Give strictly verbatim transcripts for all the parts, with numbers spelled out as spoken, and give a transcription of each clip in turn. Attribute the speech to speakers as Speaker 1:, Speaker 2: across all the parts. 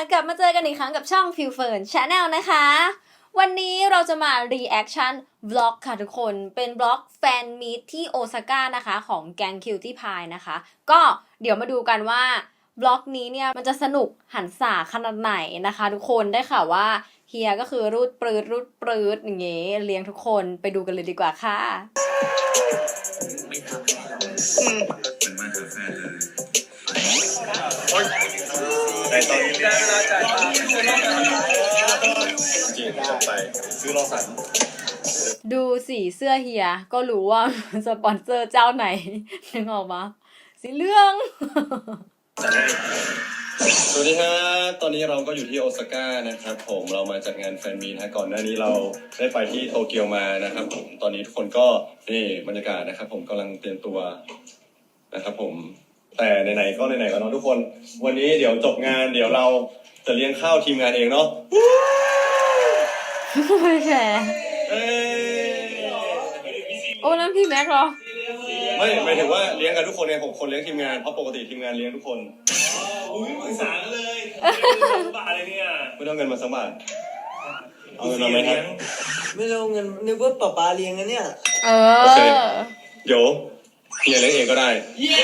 Speaker 1: กลับมาเจอกันอีกครั้งกับช่อง Feel Fern Channel นะคะ วันนี้เราจะมา reaction vlog ค่ะทุกคนเป็นบล็อกแฟนมีตที่โอซาก้านะคะของแก๊ง Cutie Pie นะคะก็เดี๋ยวมาดูกันว่าบล็อกนี้เนี่ยมันจะสนุกหันษาขนาดไหนนะคะทุกคนได้ข่าวว่าเฮียก็คือรูดปรืดรูดปรืดอย่างเงี้ยเลี้ยงทุกคนไปดูกันเลยดีกว่าค่ะ
Speaker 2: ไม่ทำอืมเป็นมาหาแฟนเลยในตอนนี้ได้เวลาจ่ายตังค์จริงจบไปซื้อรอสัน
Speaker 1: ดูสีเสื้อเฮียก็รู้ว่าสปอนเซอร์เจ้าไหนนึกออกมาสีเหลือง
Speaker 2: สวัสดีครับตอนนี้เราก็อยู่ที่โอซาก้านะครับผมเรามาจัดงานแฟนมีตนะก่อนหน้านี้เราได้ไปที่โตเกียวมานะครับผมตอนนี้ทุกคนก็นี่บรรยากาศนะครับผมกำลังเตรียมตัวนะครับผมแต่ไหนๆก็ไหนๆก็เนาะทุกคนวันนี้เดี๋ยวจบงานเดี๋ยวเราจะเลี้ยงข้าวทีมงานเองเนาะ
Speaker 1: ไม่ใช่โอ้นั่นพี่แม็กเหรอ
Speaker 2: ไม่หมายถึงว่าเลี้ยงกันทุกคนไงผมคนเลี้ยงทีมงานเพราะปกติทีมงานเลี้ยงทุกคนอุ้ยปรึกษาเลยบาทเลยเนี่ยไม่ต้องเงินมาสักบาทเอาเงินมาไหมครับ
Speaker 3: ไม่ต้องเงินนึกว่าป๊าป๊าเลี้ยงนะเนี่ย
Speaker 1: เออ
Speaker 2: เดี๋ยวเฮียเลี้ยงเองก็ได้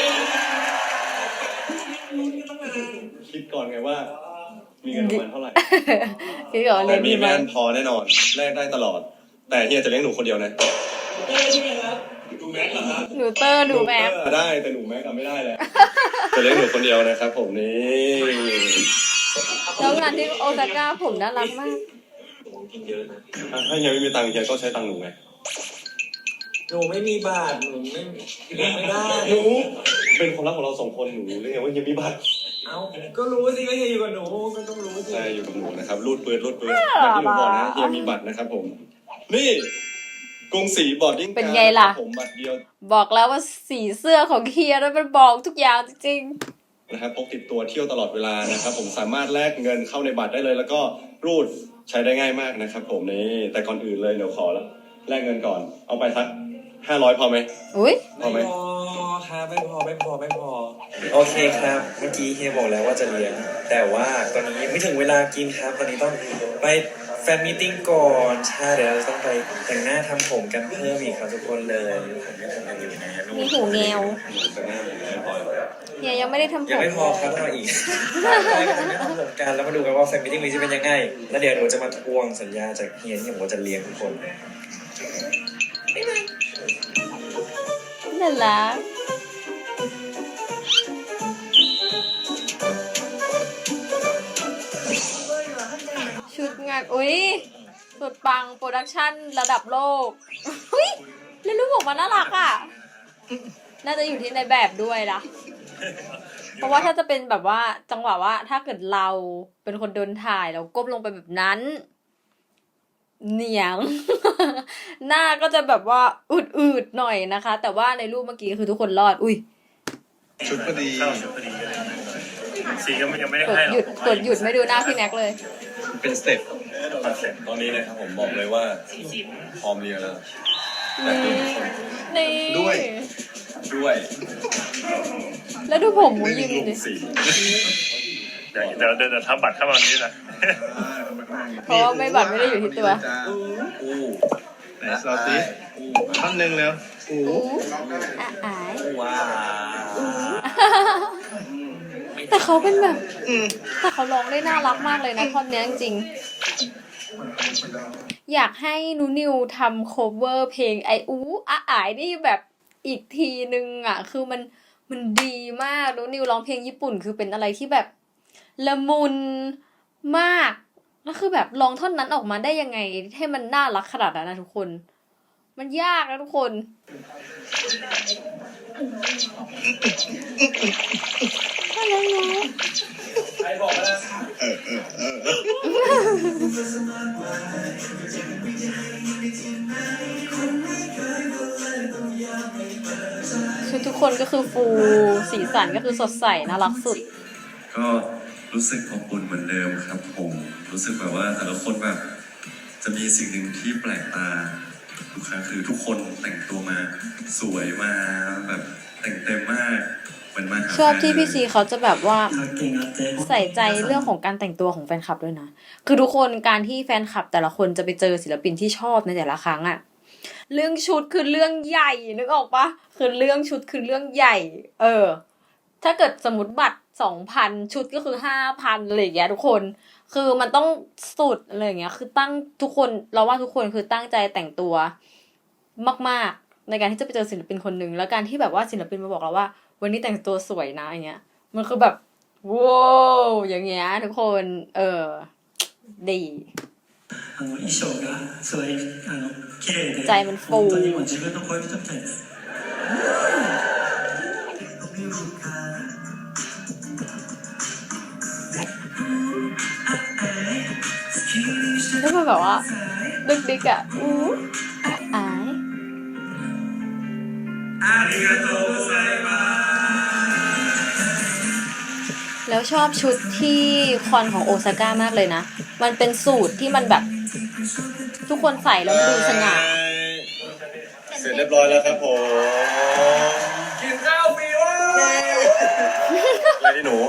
Speaker 2: คิดก่อนไงว่ามีเงินประมาณเท่าไหร่
Speaker 1: คิดก่อน
Speaker 2: แต่มีแม่พอแน่นอนแลกได้ตลอดแต่เฮียจะเลี้ยงหนูคนเดียวนะใช่ไหมครับหนูแม็กเหรอครับ
Speaker 1: หนูเตอร์หนูแม็ก
Speaker 2: ได้แต่หนูแม็กไม่ได้แหละจะเลี้ยงหนูคนเดียวนะครับผมนี่
Speaker 1: แล้วงานที่โอซาก้าผมน่ารักมาก
Speaker 2: ถ้าเฮียไม่มีตังค์เฮียก็ใช้ตังค์หนูไง
Speaker 3: หนูไม่มีบาทหนูไม่ไม่ได้
Speaker 2: หนูเป็นคนรักของเราสองคนหนูเรียกว่าเฮียมีบาท
Speaker 3: เอ้าก็รู้สิว่าเฮียอยู่กับหนูก็ต้องรู้สิ
Speaker 2: ใช่อยู่กับหนูนะครับรูดปืนรูดปืนแบบที่หนูบอกนะเฮียมีบัตรนะครับผมนี่กรุงศรีบอร์ดดิ้ง
Speaker 1: เป็นไงล่ะ
Speaker 2: ผมบัตรเดียว
Speaker 1: บอกแล้วว่าสีเสื้อของเฮียนั้นมันบอกทุกอย่างจริง
Speaker 2: ๆนะครับพกติดตัวเที่ยวตลอดเวลานะครับผมสามารถแลกเงินเข้าในบัตรได้เลยแล้วก็รูดใช้ได้ง่ายมากนะครับผมนี่แต่ก่อนอื่นเลยเดี๋ยวขอแล้วแลกเงินก่อนเอาไปสักห้าร้อยพอไหม
Speaker 1: อุ้ย
Speaker 3: พอไหมพอครับไม่พอไม่พอไม่พอโอเคครับเมื่อกี้เฮียบอกแล้วว่าจะเลี้ยงแต่ว่าตอนนี้ยังไม่ถึงเวลากินครับตอนนี้ต้องไปแฟนมีตติ้งก่อนใช่เดี๋ยวเราต้องไปแต่งหน้าทำผมกันเพิ่มอีกครับทุกคนเลยผมยังทำงานอยู่นะ
Speaker 1: มีหูแงวเฮียยังไม่ได้ทำผม
Speaker 3: ยังไม่พอครับทำอีกใช่ก็จะไม่ทำผมกันแล้วมาดูกันว่าแฟนมีตติ้งนี้จะเป็นยังไงแล้วเดี๋ยวหนูจะมาทวงสัญญาจากเฮียที่ผมว่าจะเลี้ยงทุกคน
Speaker 1: น่ารักชุดงานอุ้ยสุดปังโปรดักชั่นระดับโลกอุ้ยแล้วรูปออกมาน่ารักอ่ะน่าจะอยู่ที่ในแบบด้วยนะเพราะว่าถ้าจะเป็นแบบว่าจังหวะว่าถ้าเกิดเราเป็นคนโดนถ่ายแล้วก้มลงไปแบบนั้นเหนียงหน้าก็จะแบบว่าอืดๆหน่อยนะคะแต่ว่าในรูปเมื่อกี้คือทุกคนรอดอุ้ย
Speaker 2: ชุดพอดีชุดพอดีสีก็ยังไม่ได้
Speaker 1: ให้หรอกกดหยุดกดหยุดไม่ดูหน้าพี่แน็กเลย
Speaker 2: เป็นสเต็ปคอนเซ็ปต์ตอนนี้นะครับผมบอกเลยว่าพร้อมเรียนแล้ว
Speaker 1: นี่
Speaker 2: ด้วยด้วย
Speaker 1: แล้วดูผมมูยิงดิ
Speaker 2: เดี๋ยวเดี๋ยวเดี๋ยวทำบัตรเข้ามานี้นะ
Speaker 1: เพราะว่าไม่บัตรไม่ได้อยู่ที่ตัว
Speaker 2: อู้ไหนสลับดิท่อนหนึ่งแล้ว
Speaker 1: อู้อ่าย
Speaker 3: ว้า
Speaker 1: แต่เขาเป็นแบบแต่เขาร้องได้น่ารักมากเลยนะท่อนนี้จริงอยากให้นูนิวทำโคเวอร์เพลงไออู้อ่ะอายนี่แบบอีกทีนึงอ่ะคือมันมันดีมากนูนิวร้องเพลงญี่ปุ่นคือเป็นอะไรที่แบบละมุนมากแล้วคือแบบร้องท่อนนั้นออกมาได้ยังไงให้มันน่ารักขนาดนั้นนะทุกคนมันยากนะทุกคนอะไรนะใครบอกนะชุดทุกคนก็คือฟูสีสันก็คือสดใสน่ารักสุด
Speaker 2: ก็รู้สึกอบอุ่นเหมือนเดิมครับผมรู้สึกแบบว่าแต่ละคนแบบจะมีสิ่งหนึ่งที่แปลกตาทุกครั้งคือทุกคนแต่งตัวมาสวยมาแบบแต่งเต็มมากมันมา
Speaker 1: ชอบที่พี่ซีเขาจะแบบว่าใส่ใจเรื่องของการแต่งตัวของแฟนคลับด้วยนะ คือทุกคนการที่แฟนคลับแต่ละคนจะไปเจอศิลปินที่ชอบในแต่ละครั้งอะเรื่องชุดคือเรื่องใหญ่นึกออกปะคือเรื่องชุดคือเรื่องใหญ่ เออ ถ้าเกิดสมมติบัตรสองพันชุดก็คือห้าพันอะไรอย่างเงี้ยทุกคน คือมันต้องสุดอะไรอย่างเงี้ย คือตั้งทุกคนเราว่าทุกคนคือตั้งใจแต่งตัวมากๆในการที่จะไปเจอศิลปินคนหนึ่งแล้วการที่แบบว่าศิลปินมาบอกเราว่า วันนี้แต่งตัวสวยนะอย่างเงี้ย มันคือแบบว้าวอย่างเงี้ยทุกคน เออ ดี
Speaker 4: あの衣装がすごいあの綺麗で
Speaker 1: ใจมันฟู
Speaker 4: 本当にもう自分の恋人みたいです。
Speaker 1: แล้วมันแบบว่าดึกดิกอะอู้อาย แล้วชอบชุดที่คอนของโอซาก้ามากเลยนะ มันเป็นสูตรที่มันแบบ ทุกคนใส่แล้วมันดูสง่า
Speaker 2: เสร็จเรียบร้อยแล้วครับผม
Speaker 3: กินข้าวฟรีวะ
Speaker 2: อะไรที่หนู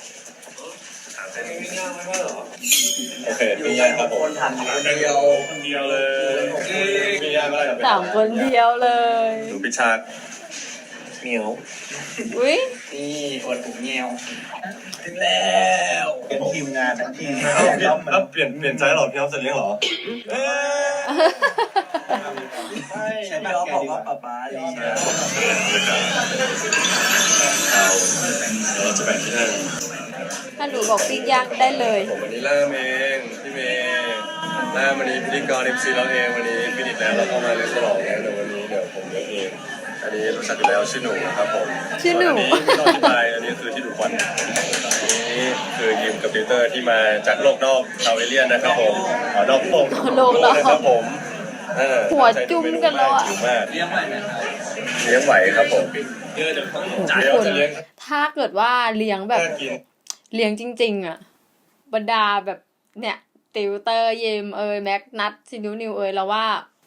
Speaker 3: ไม่ง่ายไม่ว่าหรอ
Speaker 2: โอเคปิ้งย่างครับผม
Speaker 3: คนทำคนเดียว
Speaker 2: คนเดียวเลยปิ้งย่างก็ได้กับ
Speaker 1: สามคนเดียวเลย
Speaker 2: หนูพิชา
Speaker 3: เหนียว
Speaker 1: อุ้ย
Speaker 3: นี่อวดถุงเงี้ยวถึงแล้วเป็นทีมงานทั้งทีม
Speaker 2: เอ้าแล้วเปลี่ยนเปลี่ยนใจเหรอพี่น้องจะเลี้ยงเหรอเอ้ย
Speaker 3: ใช่พี่อ๊อฟบอกว่าป๊าป๊าดีนะ
Speaker 2: เอาเราจะแบ่งที่นั่น
Speaker 1: ถ้าหนูบอกปิ้งย่างได้เลย
Speaker 2: ผมวันนี้ล่ามเองพี่เมย์ล่ามวันนี้พิธีกรเอ็มซีเราเองวันนี้ฟินิชแล้วเราก็มาเลี้ยงฉลองแล้วเดี๋ยววันนี้เดี๋ยวผมเลี้ยงเองอันนี้รู้จักอยู่แล้วชื่อหนูนะครับผม
Speaker 1: ชื่อหนู
Speaker 2: อันนี้ไม่ต้องอธิบายอันนี้คือที่ดูควันนี่คือยิมกับติวเตอร์ที่มาจากโลกนอกชาวเอเลี่ยนนะครับผมขอนอกโลก
Speaker 1: โลกนอก
Speaker 2: นะครับผมเออ
Speaker 1: หัวจุ้มกันแล้วอะ
Speaker 2: หิวมากเลี้ยงไหวไหมครับเลี้ยงไหวครับผมเดี๋ยว
Speaker 1: ทุก
Speaker 2: เรา
Speaker 1: คน
Speaker 2: จะเลี้ยง
Speaker 1: ถ้าเกิดว่าเลี้ยงแบบ
Speaker 2: น่ากิน
Speaker 1: เลี้ยงจริงๆอะบรรดาแบบเนี่ยติวเตอร์เยมเอยแม็กนัทซินิวนิวเอยแล้วว่า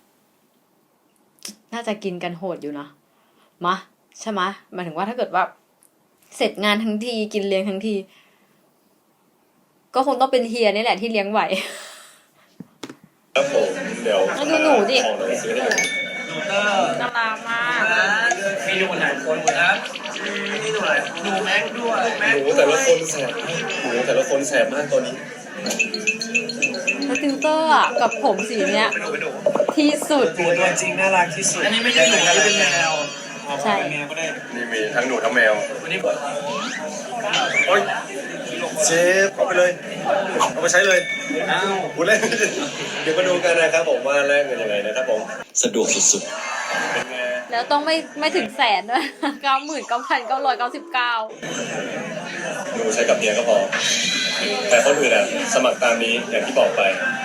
Speaker 1: น่าจะกินกันโหดอยู่นะมะใช่ไหมะหมายถึงว่าถ้าเกิดว่า เสร็จงานทั้งทีกินเลี้ยงทั้งที ก็คงต้องเป็นเฮียนี่แหละที่เลี้ยงไหว
Speaker 2: ครับผมเดี๋ยว
Speaker 1: แล้วดูหนูดิ
Speaker 2: ของหนูซื้อให้หนู
Speaker 1: น่ารักมาก
Speaker 3: มีหนูหลายคนนะมีหนูหลายหนูแม็กด้วยแม็ก
Speaker 2: หนูแต่ละคนแสบหนูแต่ละคนแสบมากตอนนี้
Speaker 1: แล้วติวเตอร์อะกับผมสีเนี้ย
Speaker 3: เป็นหนูเป็นหนู
Speaker 1: ที่สุด
Speaker 3: หนูตัวจริงน่ารักที่สุดอันนี้ไม่ใช่หนูอันนี้เป็นแมว
Speaker 1: ใช่
Speaker 3: แมวก็ได้
Speaker 2: นี่มีทั้งหนูทั้งแมว
Speaker 3: วันนี้
Speaker 2: โอ๊ยเชฟเอาไปเลย เอาไปใช้เลย
Speaker 3: อ้าว
Speaker 2: พูดเล่น เดี๋ยวมาดูกันนะครับผมว่าแลกเงินยังไงนะครับผม สะดวกสุดๆ เป็นไง
Speaker 1: แล้วต้องไม่ไม่ถึงแสนด้วย เก้าหมื่นเก้าพันเก้าร้อยเก้าสิบเก้า
Speaker 2: หนูใช้กับเมียก็พอ แต่คนอื่นอ่ะ สมัครตามนี้อย่างที่บอกไป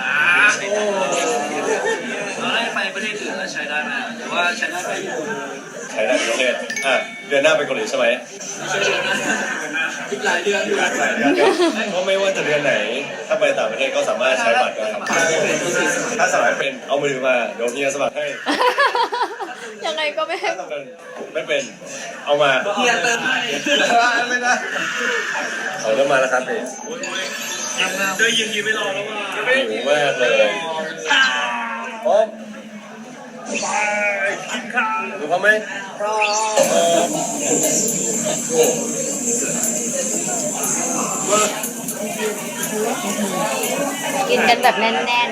Speaker 3: เราได้ไปประเทศอื่นแล้วใช้ได้ไหมหรือว่าใช้ได้ไปอยู่
Speaker 2: ใช้ได้ทุกประเทศอ่ะ เดือนหน้าไปเกาหลีใช่ไหม
Speaker 3: ใช้ได้อีกหลายเดือนอยู่
Speaker 2: หลายเดือนก็ไม่ว่าจะเดือนไหน ถ้าไปต่างประเทศก็สามารถใช้บัตรได้ครับถ้าสมัครเป็นเอามือถือมาเดี๋ยวเฮียสมัครให้
Speaker 1: ยังไงก็ไม่ให้
Speaker 2: ถ้าสมัครเป็นไม่เป็น เอามา
Speaker 3: เฮียเติมให้
Speaker 2: ไม่ได้เขาเริ่มมาแล้วครับพี่
Speaker 3: เดี๋ยวยิงยิงไม่รอแล้วว่า
Speaker 2: หิวมากเลยพร้อมกินข้าวหรือพร้อมไหมพร้อม
Speaker 1: กินกันแบบแน่น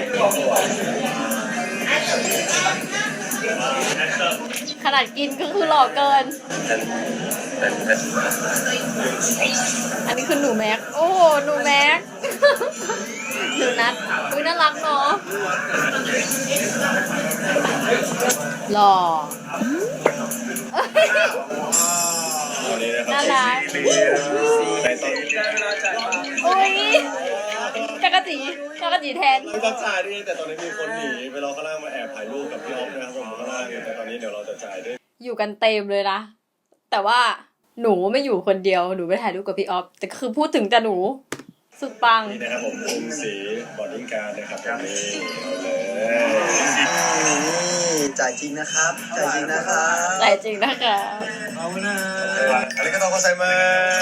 Speaker 1: ๆ ขนาดกินก็คือหล่อเกิน อันนี้คือหนูแม็ก โอ้โหหนูแม็ก หนูนัดอุ้ยน่ารักเนาะหล่อ น่ารัก
Speaker 2: ในตอน
Speaker 1: อุ้ยจักรจีจักรจีแทน
Speaker 2: ไม่ต้องจ่ายดิแต่ตอนนี้มีคนหนีไปรอข้างล่างมาแอบถ่ายรูปกับพี่ออฟนะครับผมข้างล่างแต่ตอนนี้เดี๋ยวเราจะจ่ายด้วย
Speaker 1: อยู่กันเต็มเลยนะ แต่ว่าหนูไม่อยู่คนเดียว หนูไปถ่ายรูปกับพี่ออฟ แต่คือพูดถึงแต่หนู สุดปัง
Speaker 2: นี่นะครับผมกรุงศรีบอดดิ้งการนะครับผมนี่เอาเลย
Speaker 5: จ่ายจริงนะครับ จ่ายจริงนะครับ
Speaker 1: ใจจริงนะคะ
Speaker 3: เอานะ
Speaker 2: อันนี้ก็ต้องเข้าใจมา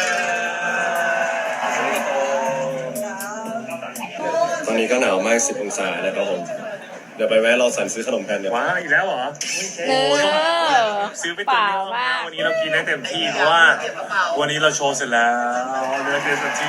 Speaker 2: ตอนนี้ก็หนาวมากสิบองศานะครับผมเดี๋ยวไปแวะเราสั่นซื้อขนมกันเดี๋ยว
Speaker 6: ว้าอีกแล้วเหรอ
Speaker 1: เออ
Speaker 6: ซื้อไป
Speaker 1: เป
Speaker 6: เต็ม
Speaker 1: ล่า
Speaker 6: ที่ห้อง
Speaker 1: มาก
Speaker 6: วันนี้เรากินได้เต็มที่เพราะว่า วันนี้เราโชว์เสร็จแล้วเนื้อเต็มที่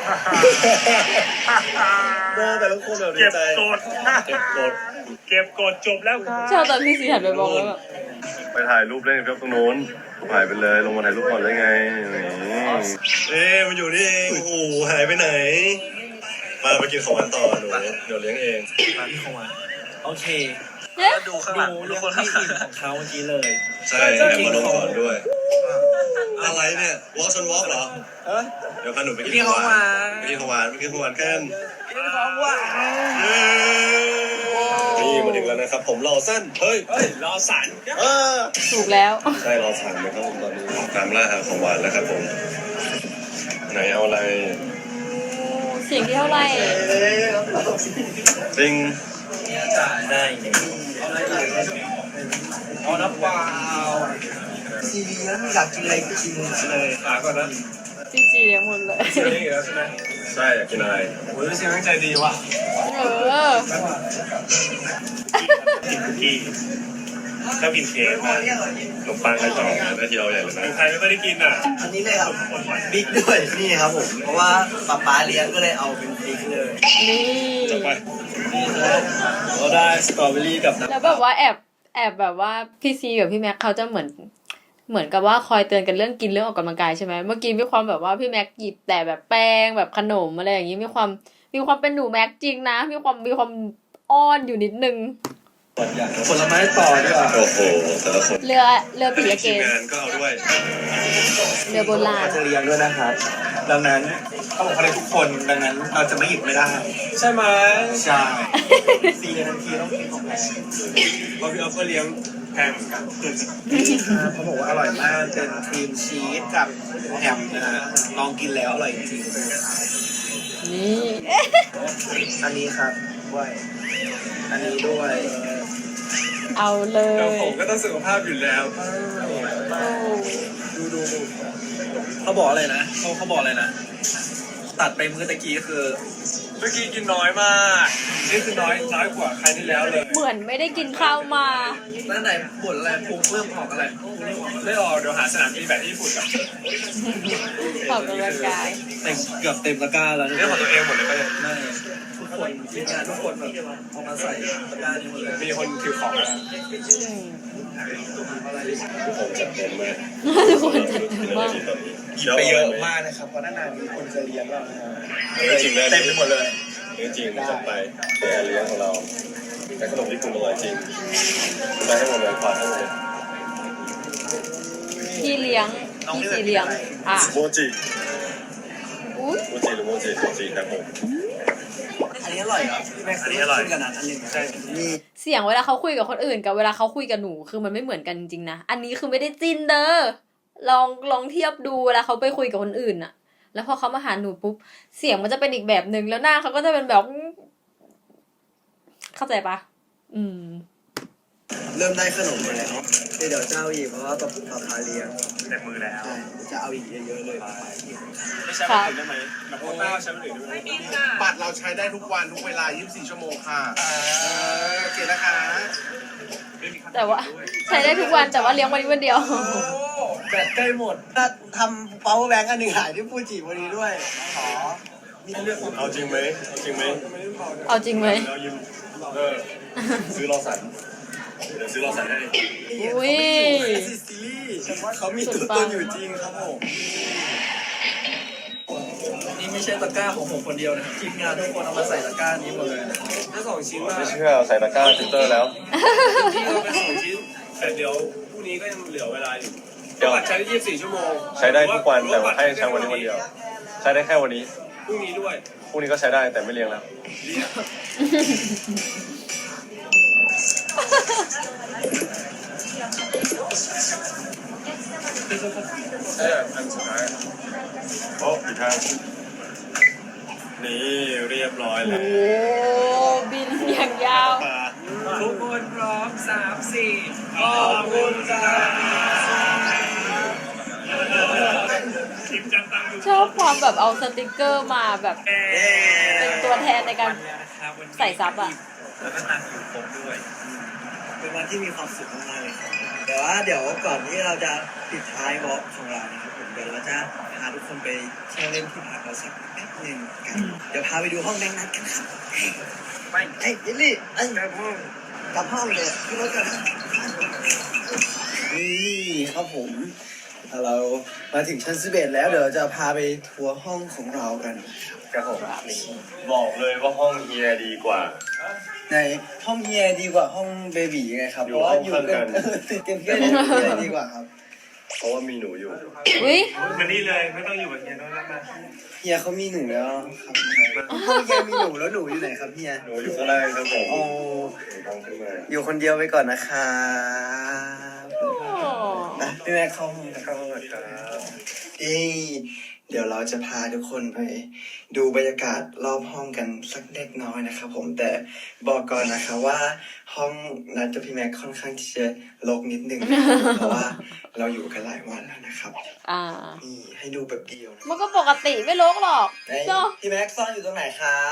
Speaker 2: โอ้แต่ละคนแบบดี
Speaker 6: เก็บ
Speaker 2: ใจ
Speaker 6: กด
Speaker 2: เก็บกด
Speaker 6: เก็บกดจบแล้วครับ
Speaker 1: ชอบตอนพี่ซีหันไปมองแล้วแบบ
Speaker 2: ไปถ่ายรูปเล่นกับตรงโน้นถ่ายไปเลยลงมาถ่ายรูปก่อนได้ไงเอ๊ะมันอยู่นี่เองโอ้โหหายไปไหน มาไปกินของหวานต่อหนูเดี๋ยวเลี้ยงเอง
Speaker 3: มาที่เข้ามาโอเค
Speaker 1: เอ๊ะ
Speaker 5: ดูข้างหลัง
Speaker 3: ดูคนที่อิ่มของเขาเมื่อกี้เลย
Speaker 2: ใช่เดี๋ยวมาลงก่อนด้วย อะไรเนี่ยวอล์กชนวอล์กเหรอเดี๋ยวพาหนูไปกินของหวานไปกินของหวานไปกินของหวานกัน
Speaker 5: กินของหวาน
Speaker 2: เย้นี่มาถึงแล้วนะครับ ผมรอสั้นเฮ้ย
Speaker 3: เฮ้ยรอสัน
Speaker 2: เออ
Speaker 1: ถูกแล้ว
Speaker 2: ใช่รอสั่งนะครับผมตอนนี้ตามล่าหาของหวานแล้วครับผมไหนเอาอะไร
Speaker 1: เสียงที่เท่าไหร่
Speaker 2: จริง
Speaker 3: ได้เนี่ยเอาน้ำเปล่า
Speaker 5: ซีเรียสอยากกินอะไรกินเลย
Speaker 3: ฝากก่อนนะ
Speaker 1: จีจีเลี้ยงหมดเลย
Speaker 3: เชื่อได้อยู่แล้วใช่ไหม
Speaker 2: ใช่อยากกินอะไร
Speaker 3: โอ้ยเสียงตั้งใจดีว่ะ
Speaker 1: เออ
Speaker 6: กินคุกกี้ชอบกินเค้กมากขนมปังกระจอก
Speaker 2: หน้าที่เราใหญ่เลยนะ
Speaker 6: ใครไม่ค่อยได้กินอ่ะ
Speaker 5: อันนี้เลยครับบิ๊กด้วยนี่ครับผม เพราะว่าป๊าป๊าเลี้ยงก็เลยเอาเป็นบิ๊กเลย
Speaker 1: นี่
Speaker 2: จัดไป
Speaker 3: เราได้สตรอเบอรี่กับน้ำ
Speaker 1: แล้วแบบว่าแอบแอบแบบว่าพี่ซีกับพี่แม็กเขาจะเหมือน เหมือนกับว่าคอยเตือนกันเรื่องกินเรื่องออกกำลังกายใช่ไหมเมื่อกี้มีความแบบว่าพี่แม็กหยิบแต่แบบแป้งแบบขนมอะไรอย่างนี้มีความมีความเป็นหนูแม็กจริงนะ มีความมีความอ้อนอยู่นิดนึง
Speaker 3: ผลไม้ต่อดีกว่า
Speaker 2: โอ้โหแต่ละคน
Speaker 1: เรือเรือปิยะเก
Speaker 2: ทีม
Speaker 1: ศ
Speaker 2: งานก็เอาด้วย
Speaker 1: เรือโบราณ
Speaker 3: จะเลี้ยงด้วยนะครับ ดังนั้นเขาบอกเขาเลี้ยงทุกคน ดังนั้นเราจะไม่หยิบไม่ได้ ใช่ไหมใช่ซีทันทีต้องกินของแพงเพราะพี่ออฟก็เลี้ยงแพงเหมือนกันเขาบอกว่าอร่อยมากเป็นครีมชีสกับแฮมนะฮะลองกินแล้วอร่อยจริง
Speaker 1: นี่
Speaker 3: อันนี้ครับด้วยอันนี้ด้วย
Speaker 1: เอาเลย
Speaker 3: แล้วผมก็ต้องสุขภาพอยู่แล้ว
Speaker 1: โอ้
Speaker 3: ดูดูดูเขาบอกอะไรนะเขาเขาบอกอะไรนะ ตัดไปมื้อตะกี้คือเมื่อกี้กินน้อยมากนี่คือน้อยน้อยกว่าใครที่แล้วเลย
Speaker 1: เหมือนไม่ได้กินข้าวมา
Speaker 3: นั่นไหนบ่นอะไรพุงเริ่มออกอะไรไม่ออกเดี๋ยวหาสนามบินแบบที่ญี่ปุ่นกับ
Speaker 1: ออกกำลังกาย
Speaker 3: เต็มเกือบเต็มตะกร้าแล้วนี่ของตัวเองหมดเลยป่ะเนี่ยไม่ทุกคนทีมงานทุกคนแบบเอามาใส่ตะกร้านี้หมดเลยมีคนถือของแล้ว
Speaker 2: ผมจัดเต็มมาก
Speaker 1: ทุกคนจัดเต็มมาก
Speaker 3: ไปเยอะมากนะครับเพราะนานๆมีคนจะเลี้ยงเรานะครับ
Speaker 2: จริงได้
Speaker 3: เต็มไปหมดเลย
Speaker 2: จริงจัดไปแต่เลี้ยงของเราแต่ขนมที่คุณอร่อยจริงได้ให้หมดเลยขอให้หมดเลย
Speaker 1: พี่เลี้ยงพี่ซีเลี้ยงอ่ะ
Speaker 2: โมจิ
Speaker 1: อุ้ย
Speaker 2: โมจิหรือโมจิโมจิครับผม
Speaker 5: อันนี้อร่อยครับแม็กซ์
Speaker 6: อันนี้อร่อย
Speaker 5: ขึ้นกันนะอันหนึ่งใช่นี่
Speaker 1: เสียงเวลาเขาคุยกับคนอื่นกับเวลาเขาคุยกับหนูคือมันไม่เหมือนกันจริงๆนะอันนี้คือไม่ได้จิ้นเด้อลองลองเทียบดูเวลาเขาไปคุยกับคนอื่นอะแล้วพอเขามาหาหนูปุ๊บเสียงมันจะเป็นอีกแบบหนึ่งแล้วหน้าเขาก็จะเป็นแบบ เข้าใจปะอืม
Speaker 5: เริ่มได้ขนมมาแล้วเดี๋ยวจะเอาอีกเพราะว่าป๊าป๊าป๊าเลี้ยง
Speaker 6: เต็มมือแล้ว
Speaker 5: ใช่จะเอาอีกเยอะๆเลย
Speaker 3: ไม่ใช่คนอื่นได้ไหมแบบโคต้าใช้คนอื่นได้ไหม
Speaker 7: บัตรเราใช้ได้ทุกวันทุกเวลา ยี่สิบสี่ ชั่วโมงค่ะโอเคนะคะ
Speaker 1: แต่ว่าใช้ได้ทุกวันแต่ว่าเลี้ยงวันนี้วันเดียว
Speaker 3: แบตใกล้หมด
Speaker 5: ถ้าทำ power bank อันหนึ่งหายที่ฟูจิวันนี้ด้วย ขอ
Speaker 2: เอาจริงไหมเอาจริงไหม
Speaker 1: เอาจริงไหม
Speaker 2: เรายืมเออซื้อรอสันเดี๋ยวซื้อรอสันให้
Speaker 1: อุ้ย
Speaker 5: ซีรีส์เขามีตัวตนอยู่จริงครับผม
Speaker 3: นี่ไม่ใช่ตะกร้าของผมคนเดียวนะทีมงานทุกคนเอามาใส่ตะกร้านี้หมดเลยถ้าสองชิ้นมา
Speaker 2: ไม่เชื่อใส่ตะกร้าฟิลเตอร์แล้ว
Speaker 3: ที่เราเป็นสองชิ้นแต่เดี๋ยวพรุ่งนี้ก็ยังเหลือเวลาอยู่
Speaker 2: เดี๋ยว
Speaker 3: บัตรใช้ได้ยี่สิบสี่ชั่วโมง
Speaker 2: ใช้ได้ทุกวันแต่ว่าให้ใช้วันนี้วันเดียว ใช้ได้แค่วันนี้
Speaker 3: พรุ่งนี้ด้วย
Speaker 2: พรุ่งนี้ก็ใช้ได้แต่ไม่เลี้ยงแล้ว เอออันสุดท้ายโอ้อีกทางนี่เรียบร้อย
Speaker 1: โอ้
Speaker 2: แล้ว
Speaker 1: บินอย่างยาว
Speaker 2: ปลา
Speaker 3: ทุกคนพร้อมสามสี่ขอบคุณจ้า
Speaker 1: ชอบความแบบเอาสติกเกอร์มาแบบเป็นตัวแทนในการใส่ซับอะ
Speaker 3: แล้วก็ตังอยู่ครบด้วย
Speaker 5: เป็นวันที่มีความสุขมากๆเลยครับแต่ว่าเดี๋ยวก่อนที่เราจะปิดท้ายวอล์กของเรานะครับผมเดี๋ยวเราจะพาทุกคนไปเที่ยวเล่นที่พักเราสักแป๊บหนึงกันเดี๋ยวพาไปดูห้องแดงนัดกันครับไปเอ้ยยิลลี่เอ้ยกลับห้องกลับห้องเลยขึ้นรถกันนี่ครับผมเรามาถึงชั้นสิบเอ็ดแล้วเดี๋ยวจะพาไปทัวร์ห้องของเรากัน
Speaker 2: ครับผมนี่บอกเลยว่าห้องเฮียดีกว่า
Speaker 5: ในห้องเฮียดีกว่าห้องเบบีไงครับ
Speaker 2: อยู่
Speaker 5: เพราะว่า
Speaker 2: ห้อง
Speaker 5: อยู่
Speaker 2: ข้างกั
Speaker 5: กัน นติดกันแค่นี้เฮียดีกว่าครับ
Speaker 2: เพราะว่ามีหนูอยู่
Speaker 1: อุ้ย
Speaker 6: มานี่เลยไม่ต้องอยู่กับเฮียต้องนั่งมา
Speaker 5: เฮียเขามีหนูแล้วครับห้องเฮียมีหนูแล้วหนูอยู่ไหนครับเฮีย
Speaker 2: หนูอยู่ข้างล่างครับผม
Speaker 5: โอ้
Speaker 2: หนูต้องขึ้นมา
Speaker 5: อยู่คนเดียวไปก่อนนะครับ
Speaker 1: โอ้
Speaker 5: อ่ะพี่แม่เข้าห้องกัน
Speaker 2: เข้าห้องก่อนครับ
Speaker 5: เอ้ยเดี๋ยวเราจะพาทุกคนไปดูบรรยากาศรอบห้องกันสักเล็กน้อยนะครับผมแต่บอกก่อนนะคะว่าห้องนัดกับพี่แม็กค่อนข้างที่จะรกนิดนึงนะครับเพราะว่าเราอยู่กันหลายวันแล้วนะครับ
Speaker 1: อ่า
Speaker 5: นี่ให้ดูแบบเดียวนะ
Speaker 1: มันก็ปกติไม่ลกหรอก
Speaker 5: ไหน
Speaker 1: เนาะ
Speaker 5: พี่แม็กซ่อนอยู่ตรงไหนครับ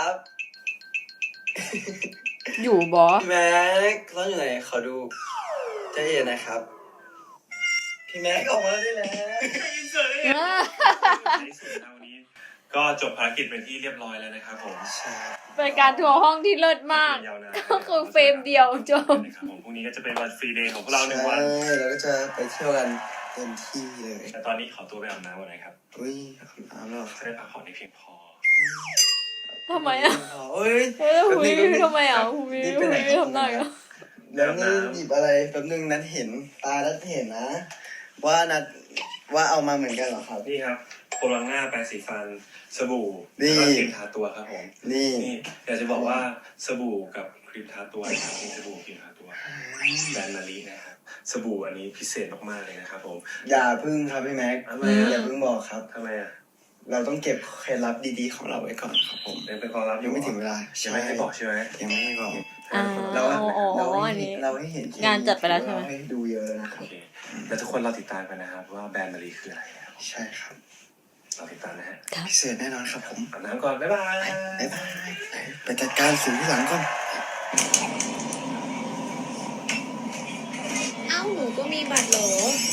Speaker 1: อยู่บอ
Speaker 5: พี่แม็กซ่อนอยู่ไหนขอดูใจเย็นนะครับ พี่แม็กออกมาได้แล้ว
Speaker 6: ในสุดเท่านี้ก็จบภารกิจเป็นที่เรียบร้อยแล้วนะครับผม
Speaker 5: ใช่
Speaker 1: เป็นการทัวร์ห้องที่เลิศมาก
Speaker 6: ยาวนาน
Speaker 1: ก็คือเฟรมเดียวจบ
Speaker 6: นะครับผมพรุ่งนี้ก็จะเป็นวันฟรีเดย์ของพวกเราหนึ่งวัน
Speaker 5: ใช่เราก็จะไปเที่ยวกันเต็มที่เลย
Speaker 6: แต่ตอนนี้ขอตัวไปอาบน้ำก่อนนะครับ
Speaker 5: อุ้ยอาบน้ำแล้วเหรอ
Speaker 6: จะได้พักผ่อนให้เพียงพอ
Speaker 1: ทำไมอ่ะ
Speaker 5: เอ้ย
Speaker 1: เฮ้ย
Speaker 5: แป๊บ
Speaker 1: หุ
Speaker 5: นึ
Speaker 1: ย
Speaker 5: งแป๊บนึง
Speaker 1: ทำไมอ่ะหุย
Speaker 5: นี่
Speaker 1: หุ
Speaker 5: ไปไหน
Speaker 1: ยทำได้อ่ะ
Speaker 5: แล้วนี่หยิบอะไรแป๊บนึงนัดเห็นตานัดเห็นนะ ว่านัดว่าเอามาเหมือนกันเหรอครับ
Speaker 6: นี่ครับโคลังหน้าแปรงสีฟันสบู่
Speaker 5: นี่
Speaker 6: แล้วก็ครีมทาตัวครับผม
Speaker 5: นี่
Speaker 6: นี่อยากจะบอกว่าสบู่กับครีมทาตัวนะครับนี่สบู่ครีมทาตัวแบรนด์มารีนะครับสบู่อันนี้พิเศษมากๆเลยนะครับผม
Speaker 5: อย่าพึ่งครับพี่แม็ก
Speaker 6: ทำไมอ่ะ
Speaker 5: อย่าพึ่งบอกครับ
Speaker 6: ทำไมอ่ะ
Speaker 5: เราต้องเก็บเคล็ดลับดีๆของเราไว้ก่อนครับผม
Speaker 6: ยังเป็นความลับอ
Speaker 5: ยังไม่ถึงเวลา
Speaker 6: ยังไม่ให้บอกใช่ไหม
Speaker 5: ยังไม่ให้บอก
Speaker 1: อ่า
Speaker 5: เรา
Speaker 1: อ๋อ
Speaker 5: เรา
Speaker 1: อั
Speaker 5: ให้
Speaker 1: น
Speaker 5: เห็
Speaker 1: นี้
Speaker 5: นเราให้เห็นแค่
Speaker 1: งานจัดไปแล้วใช่ไหม
Speaker 5: เราให้ดูเยอะแล้วนะค
Speaker 6: โอ
Speaker 5: รับ
Speaker 6: เคแล้วทุกคนเราติดตามกันนะครับว่าแบรนด์มารีคืออะไรนะครับ
Speaker 5: ใช่ครับ
Speaker 6: เราติดตามนะฮะ
Speaker 5: พิเศษแน่นอนครับผม
Speaker 6: อาบน้ำก่อนบ๊ายบาย
Speaker 5: บ๊ายบายไปจัดการสิ่งที่หลังก่อน
Speaker 1: เอ้าหนูก็มีบัตรเหรอ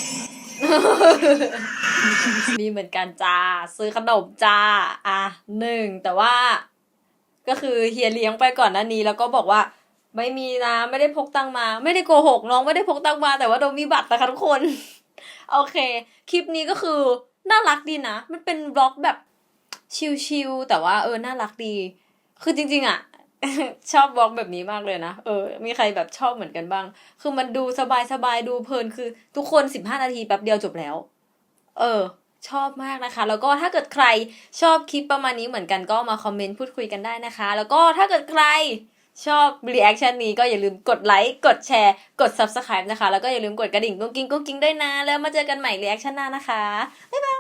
Speaker 1: มีเหมือนกันจ้า ซื้อขนมจ้า อ่ะหนึ่งแต่ว่า ก็คือเฮียเลี้ยงไปก่อนหน้านี้แล้วก็บอกว่า ไม่มีนะไม่ได้พกตังค์มา ไม่ได้โกหกน้องไม่ได้พกตังค์มา แต่ว่าโดมมีบัตรนะคะทุกคน โอเค คลิปนี้ก็คือน่ารักดีนะ มันเป็นบล็อกแบบชิลๆแต่ว่าเออน่ารักดี คือจริงๆอ่ะ ชอบบล็อกแบบนี้มากเลยนะเออมีใครแบบชอบเหมือนกันบ้าง คือมันดูสบายๆดูเพลินคือทุกคนสิบห้านาทีแป๊บเดียวจบแล้ว เออ ชอบมากนะคะ แล้วก็ถ้าเกิดใครชอบคลิปประมาณนี้เหมือนกันก็มาคอมเมนต์พูดคุยกันได้นะคะ แล้วก็ถ้าเกิดใครชอบรีแอคชั่นนี้ก็อย่าลืมกดไลค์กดแชร์กด ซับสไครบ์ นะคะแล้วก็อย่าลืมกดกระดิ่งกุ้งกิ้งกุ้งกิ้งด้วยนะแล้วมาเจอกันใหม่รีแอคชั่นหน้านะคะบ๊ายบาย